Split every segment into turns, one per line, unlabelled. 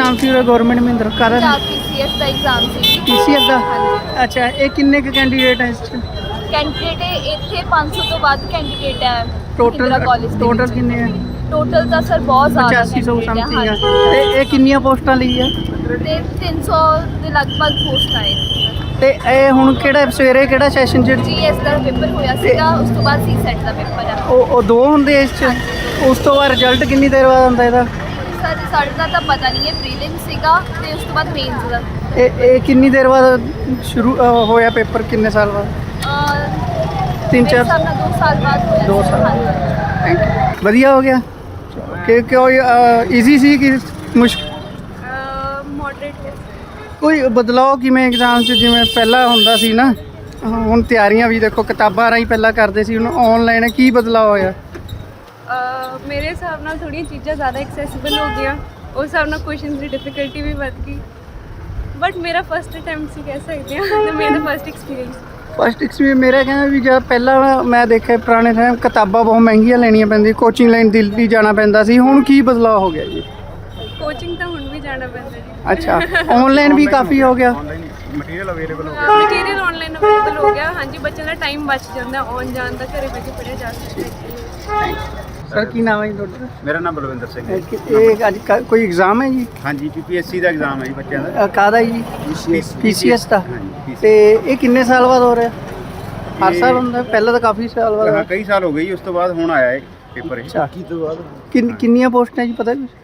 Exam सी government Mahindra कादा
PCS का exam सी।
PCS का
हाँ
अच्छा ये किन्ने के कैंडीडेट है इस च
कैंਡੀਡੇਟ ਇੱਥੇ 500 ਤੋਂ ਵੱਧ ਕੈਂਡੀਡੇਟ ਹੈ
टोटल
ਕਾਲਜ ਦੇ
टोटल
ਵਿੱਚ।
किन्ने है
ਟੋਟਲ ਤਾਂ ਸਰ ਬਹੁਤ ਜ਼ਿਆਦਾ
8500
candidate
समथिंग है
ਹਾਂਜੀ।
ਤੇ ਇਹ ਕਿੰਨੀਆਂ ਪੋਸਟਾਂ ਲਈ ਆ
ਤੇ 300 ਦੇ ਲਗਭਗ ਪੋਸਟ ਆਏ
ਤੇ ਇਹ ਹੁਣ ਕਿਹੜਾ ਸਵੇਰੇ ਕਿਹੜਾ ਸੈਸ਼ਨ ਚ
ਜੀਐਸ ਦਾ ਪੇਪਰ ਹੋਇਆ ਸੀਗਾ ਉਸ ਤੋਂ ਬਾਅਦ ਸੀਸੈਟ ਦਾ ਪੇਪਰ ਆ।
ਉਹ ਦੋ ਹੁੰਦੇ ਇਸ ਚ ਉਸ ਤੋਂ ਬਾਅਦ ਰਿਜ਼ਲਟ ਕਿੰਨੀ ਦੇਰ ਬਾਅਦ ਆਉਂਦਾ ਇਹਦਾ
ਸਰ ਰਿਜ਼ਲਟ ਦਾ ਤਾਂ ਪਤਾ ਨਹੀਂ ਹੈ ਪ੍ਰੀਲਿਮ ਸੀਗਾ ਤੇ ਉਸ ਤੋਂ ਬਾਅਦ ਮੇਨਸ ਦਾ।
ਇਹ ਕਿੰਨੀ ਦੇਰ ਬਾਅਦ ਸ਼ੁਰੂ ਹੋਇਆ ਪੇਪਰ ਕਿੰਨੇ ਸਾਲ ਬਾਅਦ तीन
ਮੇਰੇ
चार
ਹਿਸਾਬ ਨਾਲ 2 ਸਾਲ ਬਾਅਦ ਹੋਇਆ
2
ਸੀ।
साल
ਹਾਂਜੀ।
थैंक यू ਵਧੀਆ ਹੋ ਗਿਆ ਕਿ ਕਿਉਂ ਈਜ਼ੀ ਸੀ ਕਿ ਮੁਸ਼ਕਿਲ
ਮੋਡਰੇਟ
ਕੋਈ ਬਦਲਾਅ ਕਿਵੇਂ ਐਗਜ਼ਾਮ 'ਚ ਜਿਵੇਂ ਪਹਿਲਾਂ ਹੁੰਦਾ ਸੀ ਨਾ ਹੁਣ ਤਿਆਰੀਆਂ ਵੀ ਦੇਖੋ ਕਿਤਾਬਾਂ ਰਾਹੀਂ ਪਹਿਲਾਂ ਕਰਦੇ ਸੀ ਹੁਣ ਆਨਲਾਈਨ ਕੀ ਬਦਲਾਅ ਹੋਇਆ
ਮੇਰੇ ਹਿਸਾਬ ਨਾਲ ਥੋੜ੍ਹੀਆਂ ਚੀਜ਼ਾਂ ਜ਼ਿਆਦਾ ਐਕਸੈਸਿਬਲ ਹੋ ਗਈਆਂ ਉਸ ਹਿਸਾਬ ਨਾਲ ਕੁਐਸਚਨਸ ਦੀ ਡਿਫਿਕਲਟੀ ਵੀ ਵੱਧ ਗਈ ਬਟ ਮੇਰਾ ਫਸਟ ਅਟੈਂਪਟ ਸੀ ਕਹਿ ਸਕਦੇ ਹਾਂ ਤੇ ਮੇਰਾ ਫਸਟ ਐਕਸਪੀਰੀਅੰਸ
ਫਸਟ ਐਕਸਪੀਰੀਅੰਸ ਮੇਰਾ ਕਹਿੰਦਾ ਵੀ ਜਦ ਪਹਿਲਾਂ ਮੈਂ ਦੇਖਿਆ ਪੁਰਾਣੇ ਟਾਈਮ ਕਿਤਾਬਾਂ ਬਹੁਤ ਮਹਿੰਗੀਆਂ ਲੈਣੀਆਂ ਪੈਂਦੀਆਂ ਕੋਚਿੰਗ ਲਾਈਨ ਦਿੱਲੀ ਜਾਣਾ ਪੈਂਦਾ ਸੀ ਹੁਣ ਕੀ ਬਦਲਾਅ ਹੋ ਗਿਆ ਜੀ
ਕੋਚਿੰਗ ਤਾਂ ਹੁਣ ਵੀ ਜਾਣਾ ਪੈਂਦਾ ਜੀ
ਅੱਛਾ ਆਨਲਾਈਨ ਵੀ ਕਾਫੀ ਹੋ ਗਿਆ
ਮਟੀਰੀਅਲ ਅਵੇਲੇਬਲ ਹੋ
ਮਟੀਰੀਅਲ ਆਨਲਾਈਨ ਅਵੇਲੇਬਲ ਹੋ ਗਿਆ ਹਾਂਜੀ ਬੱਚਿਆਂ ਦਾ ਟਾਈਮ ਬਚ ਜਾਂਦਾ ਆਉਣ ਜਾਣ ਦਾ ਘਰੇ ਬੈਠੇ ਪੜ੍ਹਿਆ ਜਾ ਸਕਦਾ
ਸਰ ਕੀ ਨਾਮ ਹੈ ਜੀ ਤੁਹਾਡਾ
ਮੇਰਾ ਨਾਮ ਬਲਵਿੰਦਰ ਸਿੰਘ ਹੈ
ਇਹ ਅੱਜ ਕੋਈ ਐਗਜ਼ਾਮ ਹੈ ਜੀ
ਹਾਂਜੀ ਪੀਪੀਐਸਸੀ ਦਾ ਐਗਜ਼ਾਮ ਹੈ ਜੀ ਬੱਚਿਆਂ ਦਾ
ਕਾਹਦਾ ਜੀ ਪੀਸੀਐਸ ਦਾ
ਹਾਂਜੀ
ਤੇ ਇਹ ਕਿੰਨੇ ਸਾਲ ਬਾਅਦ ਹੋ ਰਿਹਾ ਹਰ ਸਾਲ ਹੁੰਦਾ ਪਹਿਲਾਂ ਤਾਂ ਕਾਫੀ ਸਾਲ
ਹਾਂ
ਬਾਅਦ
ਕਈ ਸਾਲ ਹੋ ਗਏ ਜੀ ਉਸ ਤੋਂ ਬਾਅਦ ਹੁਣ ਆਇਆ ਹੈ ਪੇਪਰ ਇਹ
ਅੱਛਾ ਕਿੰਨੀਆਂ ਪੋਸਟਾਂ ਜੀ ਪਤਾ ਕੁਛ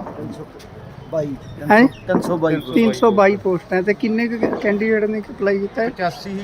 ਹੈ 322 ਪੋਸਟਾਂ ਤੇ ਕਿੰਨੇ ਕੈਂਡੀਡੇਟ ਨੇ ਅਪਲਾਈ ਕੀਤਾ ਹੈ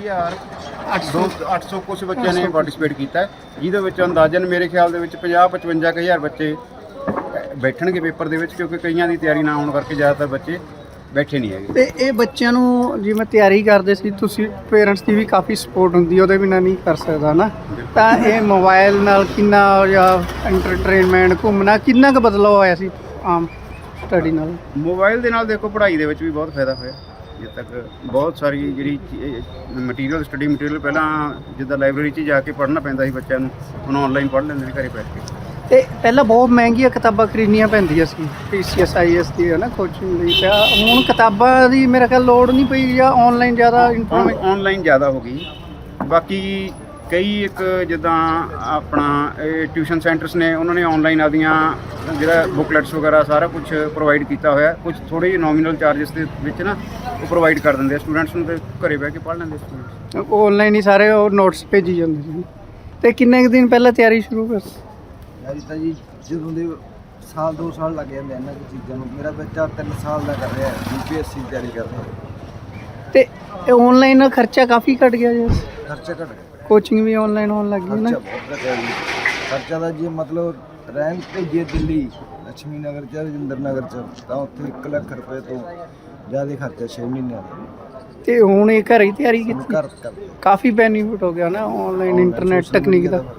800 ਕੁਝ ਬੱਚਿਆਂ ਨੇ ਪਾਰਟਿਸਿਪੇਟ ਕੀਤਾ ਹੈ, ਜਿਹਦੇ ਵਿੱਚ ਅੰਦਾਜ਼ਨ ਮੇਰੇ ਖਿਆਲ ਦੇ ਵਿੱਚ 50-55 ਬੱਚੇ ਬੈਠਣਗੇ ਪੇਪਰ ਦੇ ਵਿੱਚ ਕਿਉਂਕਿ ਕਈਆਂ ਦੀ ਤਿਆਰੀ ਨਾ ਹੋਣ ਕਰਕੇ ਜ਼ਿਆਦਾਤਰ ਬੱਚੇ ਬੈਠੇ ਨਹੀਂ ਹੈਗੇ।
ਤੇ ਇਹ ਬੱਚਿਆਂ ਨੂੰ ਜਿਵੇਂ ਤਿਆਰੀ ਕਰਦੇ ਸੀ ਤੁਸੀਂ ਪੇਰੈਂਟਸ ਦੀ ਵੀ ਕਾਫੀ ਸਪੋਰਟ ਹੁੰਦੀ ਉਹਦੇ ਬਿਨਾਂ ਨਹੀਂ ਕਰ ਸਕਦਾ ਨਾ ਤਾਂ ਇਹ ਮੋਬਾਈਲ ਨਾਲ ਕਿੰਨਾ ਜਾਂ ਐਂਟਰਟੇਨਮੈਂਟ ਘੁੰਮਣਾ ਕਿੰਨਾ ਕੁ ਬਦਲਾਅ ਹੋਇਆ ਸੀ ਆਮ ਸਟੱਡੀ ਨਾਲ
ਮੋਬਾਈਲ ਦੇ ਨਾਲ ਦੇਖੋ ਪੜ੍ਹਾਈ ਦੇ ਵਿੱਚ ਵੀ ਬਹੁਤ ਫਾਇਦਾ ਹੋਇਆ ਜਿੱਦ ਤੱਕ ਬਹੁਤ ਸਾਰੀ ਜਿਹੜੀ ਮਟੀਰੀਅਲ ਸਟੱਡੀ ਮਟੀਰੀਅਲ ਪਹਿਲਾਂ ਜਿੱਦਾਂ ਲਾਇਬ੍ਰੇਰੀ 'ਚ ਜਾ ਕੇ ਪੜ੍ਹਨਾ ਪੈਂਦਾ ਸੀ ਬੱਚਿਆਂ ਨੂੰ ਹੁਣ ਆਨਲਾਈਨ ਪੜ੍ਹ ਲੈਂਦੇ ਨੇ ਘਰੇ ਬੈਠ ਕੇ
ਤੇ ਪਹਿਲਾਂ ਬਹੁਤ ਮਹਿੰਗੀਆਂ ਕਿਤਾਬਾਂ ਖਰੀਦਣੀਆਂ ਪੈਂਦੀਆਂ ਸੀ ਪੀਸੀਐਸ ਆਈਐਸ ਦੀ ਹੈ ਨਾ ਕੋਚਿੰਗ ਲਈ ਤਾਂ ਹੁਣ ਕਿਤਾਬਾਂ ਦੀ ਮੇਰਾ ਖਿਆਲ ਲੋੜ ਨਹੀਂ ਪਈ ਜਾਂ ਆਨਲਾਈਨ ਜ਼ਿਆਦਾ ਇਨਫੋਰਮੇਸ਼ਨ
ਆਨਲਾਈਨ ਜ਼ਿਆਦਾ ਹੋ ਗਈ ਬਾਕੀ ਕਈ ਇੱਕ ਜਿੱਦਾਂ ਆਪਣਾ ਟਿਊਸ਼ਨ ਸੈਂਟਰਸ ਨੇ ਉਹਨਾਂ ਨੇ ਆਨਲਾਈਨ ਆਪਦੀਆਂ ਜਿਹੜਾ ਬੁਕਲੈਟਸ ਵਗੈਰਾ ਸਾਰਾ ਕੁਝ ਪ੍ਰੋਵਾਈਡ ਕੀਤਾ ਹੋਇਆ ਕੁਝ ਥੋੜ੍ਹੇ ਜਿਹੇ ਨੋਮੀਨਲ ਚਾਰजेस ਦੇ ਵਿੱਚ ਨਾ ਉਹ ਪ੍ਰੋਵਾਈਡ ਕਰ ਦਿੰਦੇ ਆ ਸਟੂਡੈਂਟਸ ਨੂੰ ਤੇ ਘਰੇ ਬਹਿ ਕੇ ਪੜ੍ਹ ਲੈਂਦੇ ਸਟੂਡੈਂਟਸ
ਆਨਲਾਈਨ ਹੀ ਸਾਰੇ ਉਹ ਨੋਟਸ ਭੇਜੀ ਜਾਂਦੇ ਸੀ ਤੇ ਕਿੰਨੇ ਕੁ ਦਿਨ ਪਹਿਲਾਂ ਤਿਆਰੀ ਸ਼ੁਰੂ ਕਰ
ਯਾਰੀ ਤਾਂ ਜੀ ਜਦੋਂ ਦੇ ਸਾਲ 2 ਸਾਲ ਲੱਗ ਜਾਂਦੇ ਇਹਨਾਂ ਦੀ ਚੀਜ਼ਾਂ ਨੂੰ ਮੇਰਾ ਬੱਚਾ 3 ਸਾਲ ਦਾ ਕਰ ਰਿਹਾ ਯੂਪੀਐਸਸੀ ਦੀ ਤਿਆਰੀ ਕਰ ਰਿਹਾ
ਤੇ ਆਨਲਾਈਨ ਖਰਚਾ ਕਾਫੀ ਘਟ ਗਿਆ ਜੀ
ਖਰਚਾ ਘਟ ਗਿਆ
ਕੋਚਿੰਗ ਵੀ ਆਨਲਾਈਨ ਹੋਣ ਲੱਗ ਗਈ ਨਾ
ਖਰਚਾ ਬਹੁਤ ਘਟਿਆ ਜੀ ਖਰਚਾ ਦਾ ਜੀ ਮਤਲਬ ਰਹਿਣ ਭੇਜੀਏ ਦਿੱਲੀ ਲక్ష్ਮੀ ਨਗਰ ਚ ਰਜਿੰਦਰ ਨਗਰ ਚ ਤਾਂ ਉੱਥੇ 1 ਲੱਖ ਰੁਪਏ ਤੋਂ ਜ਼ਿਆਦਾ ਖਰਚਾ 6 ਮਹੀਨਿਆਂ ਦਾ
ਤੇ ਹੁਣ ਇਹ ਘਰ ਹੀ ਤਿਆਰੀ ਕੀਤੀ
ਕਰ
ਕਾਫੀ ਬੈਨੀਫਿਟ ਹੋ ਗਿਆ ਨਾ ਆਨਲਾਈਨ ਇੰਟਰਨੈਟ ਟੈਕਨੀਕ ਦਾ